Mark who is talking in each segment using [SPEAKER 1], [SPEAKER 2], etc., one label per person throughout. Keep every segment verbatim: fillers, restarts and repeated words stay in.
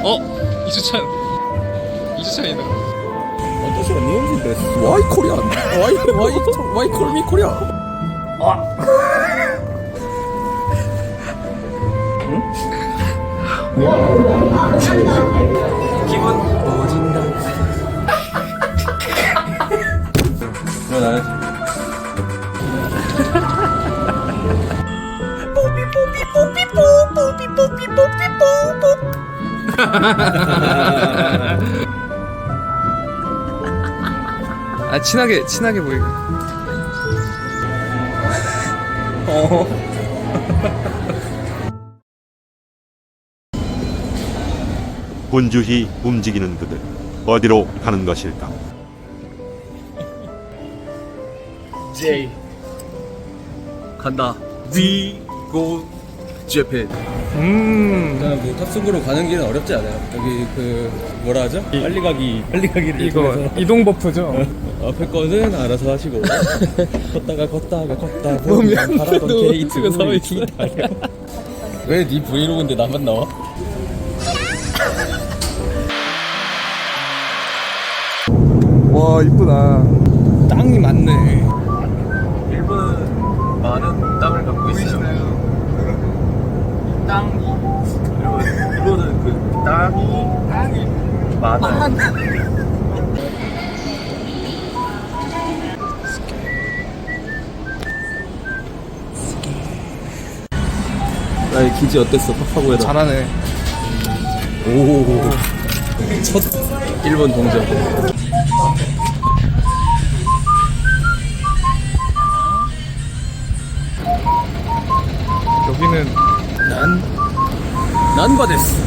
[SPEAKER 1] 어? 이주찬 이주찬이다.
[SPEAKER 2] 아저씨가 니혼인데 와이 코리안 와이 와이 와이 콜미 코리아. 기분 오진다. 일어나야지.
[SPEAKER 1] 아 친하게 친하게 보이게.
[SPEAKER 2] 어.
[SPEAKER 3] 분주히 움직이는 그들, 어디로 가는 것일까?
[SPEAKER 1] J
[SPEAKER 2] 간다. D go Japan.
[SPEAKER 1] 음
[SPEAKER 2] 일단 뭐 탑승구로 가는 길은 어렵지 않아요. 여기 그 뭐라 하죠? 빨리 가기 빨리 가기를
[SPEAKER 1] 이거
[SPEAKER 2] 통해서
[SPEAKER 1] 이동 버프죠.
[SPEAKER 2] 앞에 거는 알아서 하시고 걷다가 걷다가 걷다
[SPEAKER 1] 보면
[SPEAKER 2] 바라던
[SPEAKER 1] 또
[SPEAKER 2] 게이트
[SPEAKER 1] 서 있어.
[SPEAKER 2] 왜네 브이로그인데 나만 나와?
[SPEAKER 1] 와 이쁘다.
[SPEAKER 2] 땅이 많네. 일본은 많은 땅을 갖고 있어요. 땅이 그리고 일본은 그 땅이 땅이 많아요. 나의 기지 어땠어? 파파고에다.
[SPEAKER 1] 잘하네.
[SPEAKER 2] 오. 첫 일본 동전.
[SPEAKER 1] 여기는
[SPEAKER 2] 난 난바데스.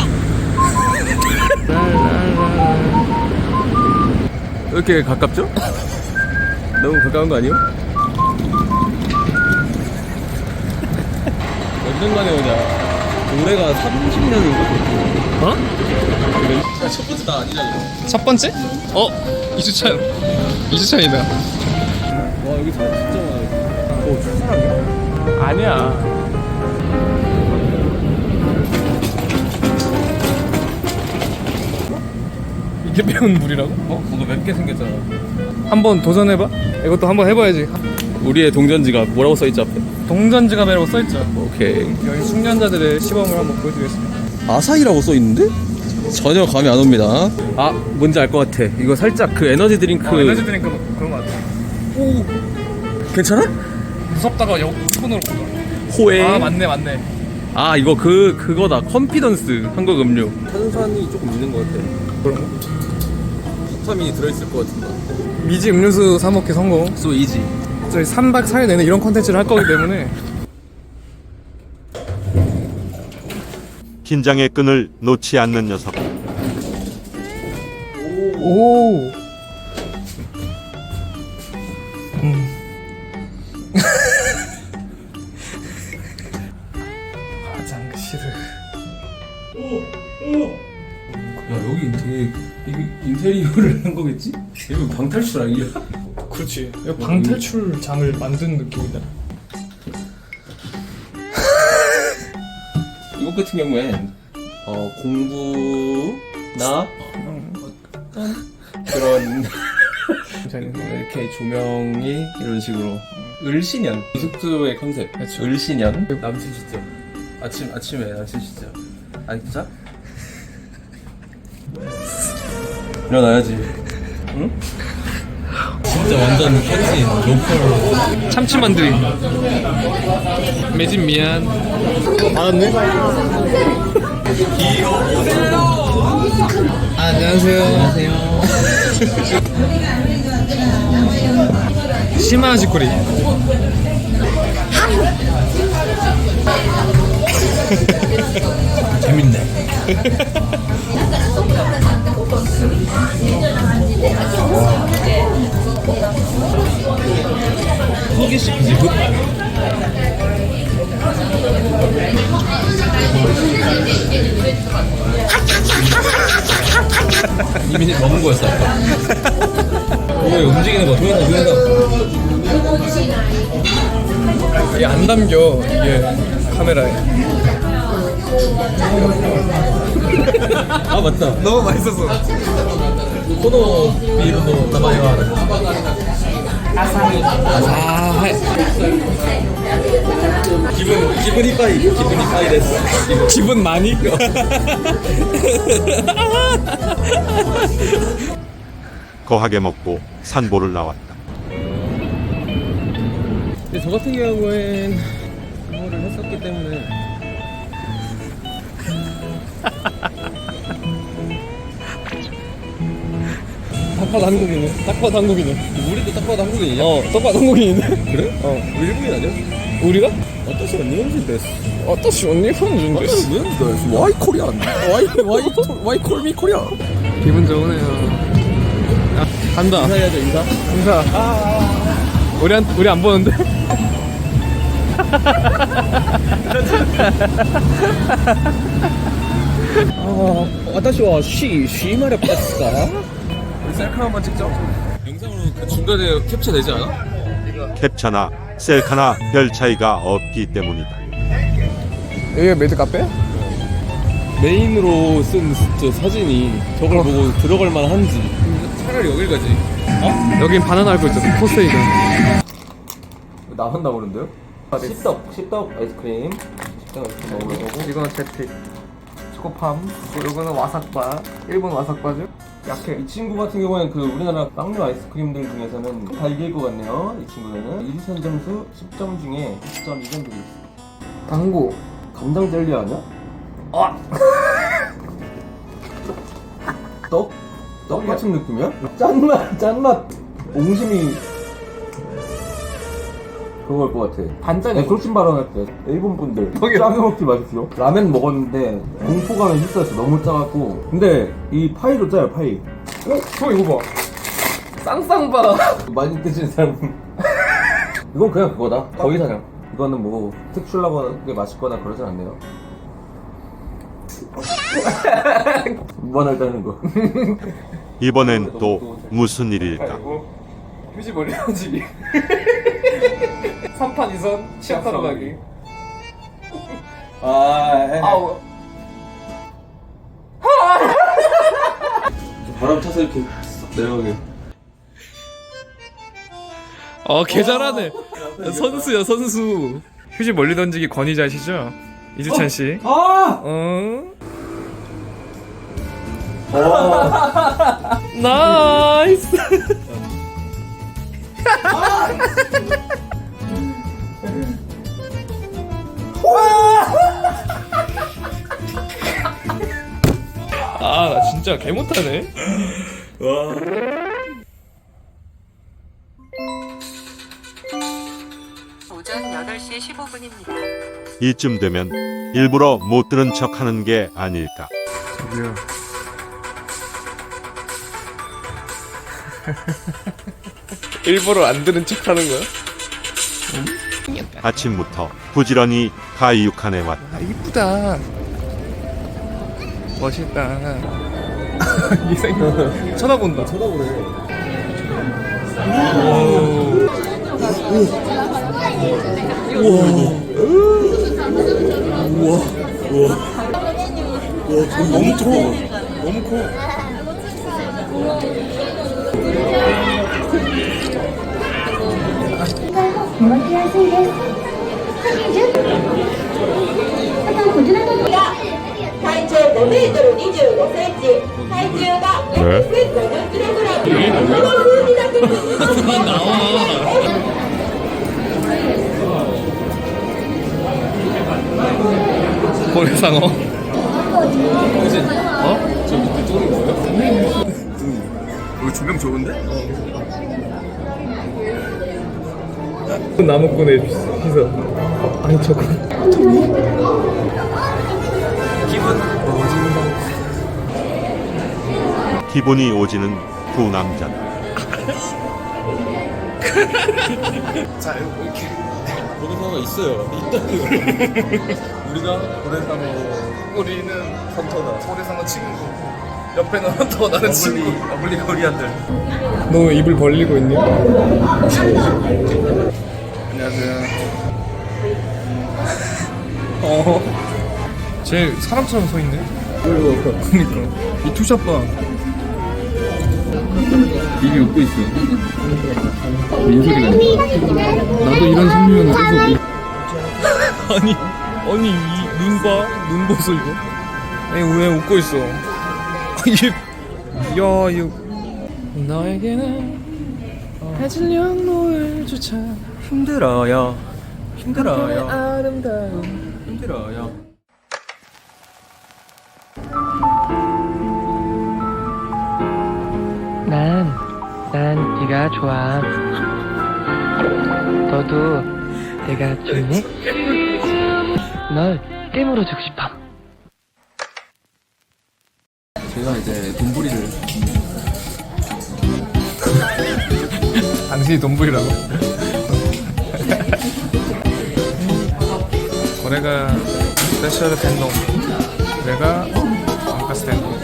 [SPEAKER 2] 왜 이렇게 가깝죠? 너무 가까운 거 아니에요? 몇 년 만에 오냐? 올해가 삼십 년인가?
[SPEAKER 1] 어?
[SPEAKER 2] 첫 번째 나 아니잖아.
[SPEAKER 1] 첫 번째? 어? 이주찬 이주찬이다.
[SPEAKER 2] 와 여기 사람 진짜 많아. 어, 저 사람이야?
[SPEAKER 1] 아니야. 이게 매운 물이라고?
[SPEAKER 2] 어? 뭔가 맵게 생겼잖아.
[SPEAKER 1] 한번 도전해봐. 이것도 한번 해봐야지.
[SPEAKER 2] 우리의 동전지가 뭐라고 써있지 앞에?
[SPEAKER 1] 동전지갑이라고 써있죠.
[SPEAKER 2] 오케이.
[SPEAKER 1] 여기 숙련자들의 시범을 한번 보여드리겠습니다.
[SPEAKER 2] 아사히라고 써있는데? 전혀 감이 안 옵니다. 아 뭔지 알 것 같아. 이거 살짝 그 에너지 드링크.
[SPEAKER 1] 어, 에너지 드링크 뭐 그런 거 같아.
[SPEAKER 2] 오 괜찮아?
[SPEAKER 1] 무섭다가 역 손으로 꽂아.
[SPEAKER 2] 호에.
[SPEAKER 1] 아 맞네 맞네.
[SPEAKER 2] 아 이거 그 그거다. 컨피던스 한국 음료. 탄산이 조금 있는 것 같아.
[SPEAKER 1] 그런 거?
[SPEAKER 2] 비타민이 들어있을 것 같은데.
[SPEAKER 1] 미지 음료수 사 먹기 성공.
[SPEAKER 2] So easy.
[SPEAKER 1] 저희 삼 박 사 일 내내 이런 컨텐츠를 할 거기 때문에
[SPEAKER 3] 긴장의 끈을 놓지 않는 녀석.
[SPEAKER 1] 오. 음. 화장실을.
[SPEAKER 2] 야 여기 되게 이거 인테리어를 한 거겠지? 이거 방탈출 아니야?
[SPEAKER 1] 그렇지. 방탈출장을 만든 느낌이다.
[SPEAKER 2] 이것 같은 경우엔 어, 공부나 어떤 그런 이렇게 조명이 이런 식으로 을신년 이 숙소의 컨셉.
[SPEAKER 1] 그쵸.
[SPEAKER 2] 을신년 남친 시점. 아침 아침에 남친 시점. 아니 진짜? 일어나야지. 응? 진짜 완전 현진 로컬.
[SPEAKER 1] 참치 만두리. 매진 미안.
[SPEAKER 2] 알았네?
[SPEAKER 1] 아, 안녕하세요.
[SPEAKER 2] 안녕하세요.
[SPEAKER 1] 시마지코리.
[SPEAKER 2] 재밌네. 호기심이지. 이미 먹은 거였어. 왜 움직이는 거 동영상 동영상.
[SPEAKER 1] 이게 안 담겨 이게 카메라에.
[SPEAKER 2] 아 맞다.
[SPEAKER 1] 너무 맛있었어.
[SPEAKER 2] 코노 비루노 나마이와
[SPEAKER 1] 아사히.
[SPEAKER 2] 기분 기분 이빠이 기분 이빠이 됐어.
[SPEAKER 1] 기분 많이?
[SPEAKER 3] 거하게 먹고 산보를 나왔다.
[SPEAKER 2] 근데 저 같은 경우엔 그거를 했었기 때문에
[SPEAKER 1] 딱 봐도 한국이네. 딱 봐도 한국이네.
[SPEAKER 2] 우리도 딱 봐도 한국인이냐?
[SPEAKER 1] 어, 딱 봐도 한국인인데?
[SPEAKER 2] 그래?
[SPEAKER 1] 어.
[SPEAKER 2] 우리 일본인 아니야?
[SPEAKER 1] 우리가?
[SPEAKER 2] 어떠시 언니언진 데스.
[SPEAKER 1] 어떠시 언니 편준 됐어.
[SPEAKER 2] 데스. 와이 코리안. 와이 와이 와이 콜미 코리안.
[SPEAKER 1] 기분 좋으네요. 야, 간다.
[SPEAKER 2] 인사해야죠 인사.
[SPEAKER 1] 인사. 우리 안, 우리 안 보는데?
[SPEAKER 2] 아, 와타시와 쉬, 쉬 말에 빠졌다. 우리 셀카 한번 찍자. 영상으로 그 중간에 캡처 되지 않아?
[SPEAKER 3] 캡처나 셀카나 별 차이가 없기 때문이다.
[SPEAKER 1] 여기가 메이드 카페?
[SPEAKER 2] 메인으로 쓴 저 사진이 저걸 보고 들어갈 만한지. 차라리 여길 가지.
[SPEAKER 1] 어? 여긴 바나나 알고 있잖아. 포세이든.
[SPEAKER 2] 나온다 그러는데요? 십덕, 십덕 아이스크림. 십덕 아이스크림 먹을 거고.
[SPEAKER 1] 이거는 제티. 초코팜. 이거는 와삭바. 일본 와삭바죠? 약해.
[SPEAKER 2] 이 친구 같은 경우에는 그 우리나라 빵류 아이스크림들 중에서는 다 이길 것 같네요. 이 친구는 일선 점수 십 점 중에 구 점 이 점 드리겠습니다.
[SPEAKER 1] 당구.
[SPEAKER 2] 감당 젤리 아니야? 아! 떡? 떡 같은 느낌이야? 짠맛, 짠맛. 옹심이 그거일 것 같아.
[SPEAKER 1] 반짠이야.
[SPEAKER 2] 네, 그렇게 발언할 때 일본 분들 짜게 먹지 마십시오. 라멘 먹었는데 공포감이 있었어. 너무 짜갖고. 근데 이 파이도 짜요. 파이.
[SPEAKER 1] 어? 저 이거 봐. 쌍쌍바.
[SPEAKER 2] 많이 드시는 사람은 이건 그냥 그거다. 거의 사냥. 이거는 뭐 특출나게 맛있거나 그러진 않네요. 무한할 때는 거.
[SPEAKER 3] 이번엔 또 무슨 일일까?
[SPEAKER 1] 휴지 멀리 던지기. 삼 판 이 선 치약하러 가기.
[SPEAKER 2] 아,
[SPEAKER 1] 아우.
[SPEAKER 2] 바람 타서 이렇게 싹 내려가게.
[SPEAKER 1] 어, 개 잘하네. 선수야, 선수. 휴지 멀리 던지기 권위자시죠? 이주찬 씨.
[SPEAKER 2] 아!
[SPEAKER 1] 어? 나이스. 아, 나 진짜 개 못하네.
[SPEAKER 4] 오전 여덟 시 십오 분입니다.
[SPEAKER 3] 이쯤 되면 일부러 못 들은 척 하는 게 아닐까?
[SPEAKER 1] 저기요. 일부러 안 들은 척 하는 거야?
[SPEAKER 3] 아침부터 부지런히 가이육한에 왔다.
[SPEAKER 1] 아, 이쁘다. 멋있다. 이생 쳐다본다.
[SPEAKER 2] 쳐다보네.
[SPEAKER 1] 너무 커. 너무 커.
[SPEAKER 5] 体長ごメートルにじゅうごセンチ、体重が約せんごじゅっキログラム。この風になってくる。
[SPEAKER 1] 고래상어.
[SPEAKER 2] 그지? 어? 저 밑에 뚫은 거예요?
[SPEAKER 1] 이거 조명 좋은데? 나무꾼의 희서. 아니 저거.
[SPEAKER 3] 기분이 오지는 두 남자다.
[SPEAKER 1] 자 이렇게.
[SPEAKER 2] 고래상어가 있어요. 있다고요. 우리가 고래상어
[SPEAKER 1] 우리는
[SPEAKER 2] 헌터다.
[SPEAKER 1] 고래상어 친구. 옆에는 헌터 나는 친구.
[SPEAKER 2] 어블리 코리안들.
[SPEAKER 1] 너 왜 입을 벌리고 있니? 안녕하세요. 어. 쟤 사람처럼 서 있네. 그니까 이 투샷 봐.
[SPEAKER 2] 입이 웃고 있어. 민소리가.
[SPEAKER 1] 나도 이런 승리면 계속. 아니 아니 이 눈 봐. 눈 보소 이거. 아니 왜 웃고 있어? 이게 야 이거 너에게는 해질 영노을조차
[SPEAKER 2] 힘들어요. 힘들어요.
[SPEAKER 1] 아름다운
[SPEAKER 2] 힘들어요.
[SPEAKER 6] 난, 난 네가 좋아. 너도 내가 좋네? 널 깨물어 주고 싶어.
[SPEAKER 2] 제가 이제 돈부리를
[SPEAKER 1] 당신이 돈부리라고? 거래가 스페셜 텐동 내가 왕카스 텐동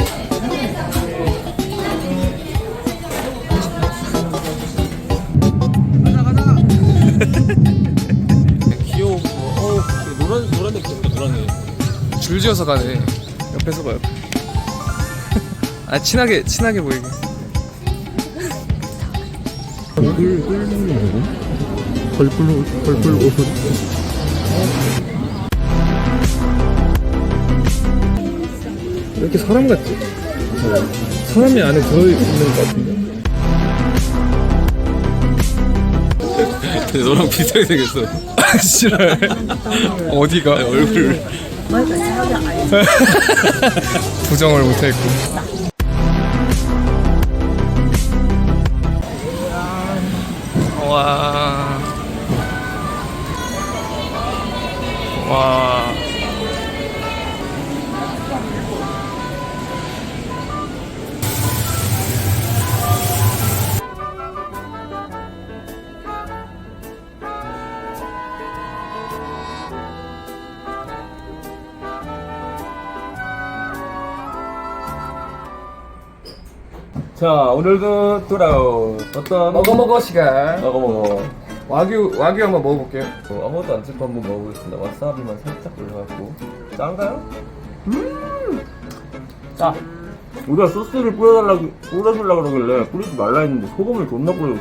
[SPEAKER 1] 귀여워. 어,
[SPEAKER 2] 노란 노란 색 있다. 노란색.
[SPEAKER 1] 줄지어서 가네. 옆에서 봐 옆에. 아 친하게 친하게 보이게. 왜 이렇게 사람 같지? 사람이 안에 들어있는 것 같은데?
[SPEAKER 2] 너랑 비슷하게 생겼어.
[SPEAKER 1] 아, 싫어. 어디가?
[SPEAKER 2] 얼굴.
[SPEAKER 1] 부정을 못했고. 와. 와.
[SPEAKER 2] 자, 오늘도 돌아온 어떤
[SPEAKER 1] 먹어먹어 시간.
[SPEAKER 2] 먹어 먹어.
[SPEAKER 1] 와규 와규 한번 먹어볼게요.
[SPEAKER 2] 어, 아무것도 안 찍고 한번 먹어보겠습니다. 와사비만 살짝 올려갖고. 짠가요? 음. 짜. 우리가 소스를 뿌려달라고 뿌려주려고 그러길래 뿌리지 말라 했는데 소금을 존나 뿌려.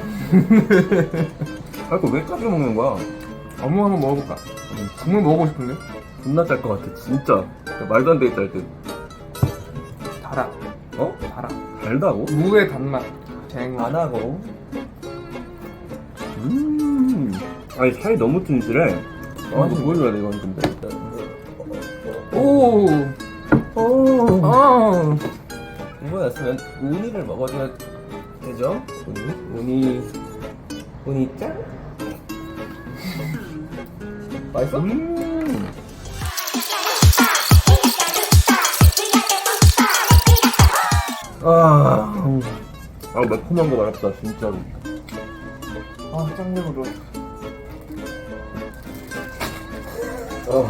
[SPEAKER 2] 아, 이거 왜 짜게 먹는 거야?
[SPEAKER 1] 어묵 한번 먹어볼까? 국물 먹어보고 싶은데?
[SPEAKER 2] 존나 짤 것 같아, 진짜. 말도 안 되게 짤 듯.
[SPEAKER 1] 달아.
[SPEAKER 2] 어?
[SPEAKER 1] 달아.
[SPEAKER 2] 달다고?
[SPEAKER 1] 무의 단맛. 쟁.
[SPEAKER 2] 안 하고. 음. 아니, 살이 너무 튼실해. 아, 이거 보여줘야 돼, 이건 근데.
[SPEAKER 1] 오.
[SPEAKER 2] 오.
[SPEAKER 1] 아.
[SPEAKER 2] 이거였으면 우니를 먹어줘야 되죠? 우니? 우니. 우니 짠? 맛있어? 음. 아, 아 매콤한 거 말았다 진짜로. 아 짱내으로. 어.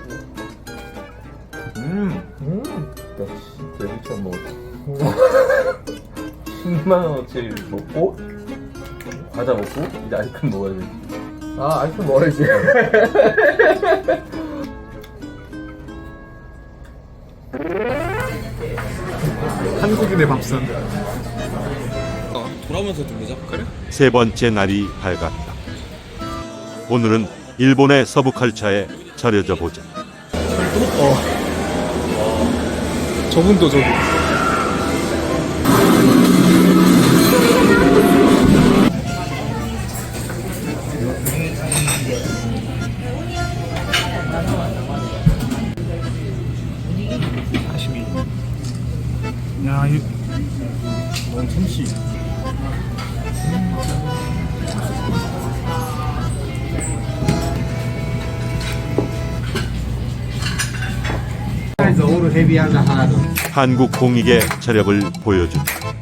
[SPEAKER 2] 음, 음. 나 진짜 미쳐 먹었어. 십만 원어치 먹고 과자 먹고 이제 아이스크림 먹어야 돼.
[SPEAKER 1] 아 아이스크림 먹어야지. 한국인의 밥상.
[SPEAKER 2] 돌아오면서 들리자. 그래?
[SPEAKER 3] 세 번째 날이 밝았다. 오늘은 일본의 서부 칼차에 절여져 보자.
[SPEAKER 1] 저분도 저기. 야, 이 너무 참치.
[SPEAKER 3] 한국 공익의 저력을 보여준다.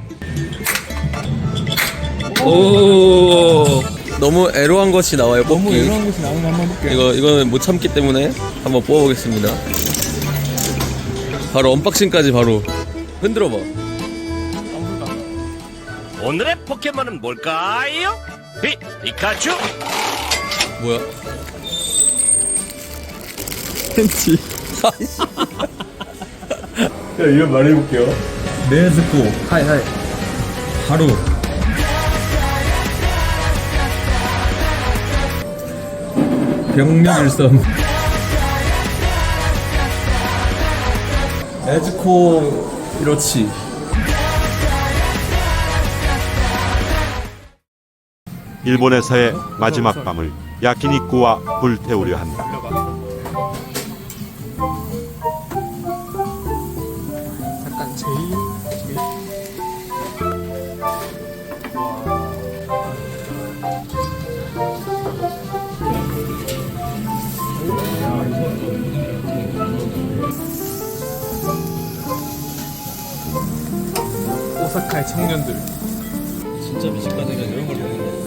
[SPEAKER 7] 오, 너무 애로한 것이 나와요. 뽑기.
[SPEAKER 1] 너무 이런 것이 나오는 거 한번 볼게요.
[SPEAKER 7] 이거 이거는 못 참기 때문에 한번 뽑아보겠습니다. 바로 언박싱까지 바로 흔들어 봐.
[SPEAKER 8] 오늘의 포켓몬은 뭘까요? 피, 피카츄?
[SPEAKER 7] 뭐야?
[SPEAKER 1] 팬티.
[SPEAKER 2] 자, 이름 말해볼게요. 네즈코.
[SPEAKER 1] 하이 하이.
[SPEAKER 2] 하루. 병력일섬. 네즈코 이로치.
[SPEAKER 3] 일본에서의 마지막 밤을 야키니쿠와 불태우려 한다.
[SPEAKER 1] 약간 제일 오사카의 청년들.
[SPEAKER 7] 진짜 미식가들은 이런 걸 먹는 거야.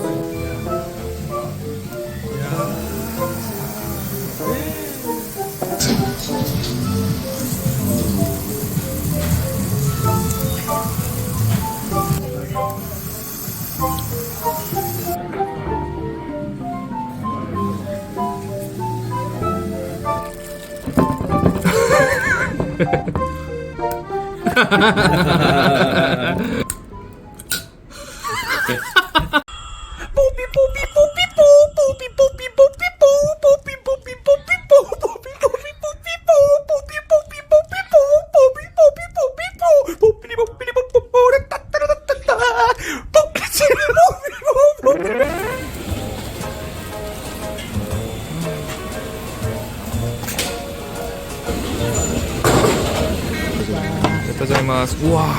[SPEAKER 1] 짜자마스. 우와.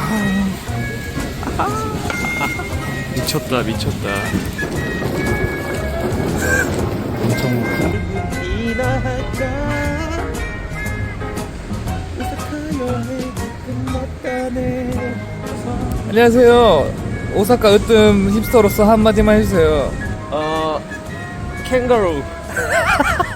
[SPEAKER 1] 미쳤다 미쳤다. 안녕하세요. 오사카 으뜸 힙스터로서 한마디만 해주세요.
[SPEAKER 7] 어, 캥거루.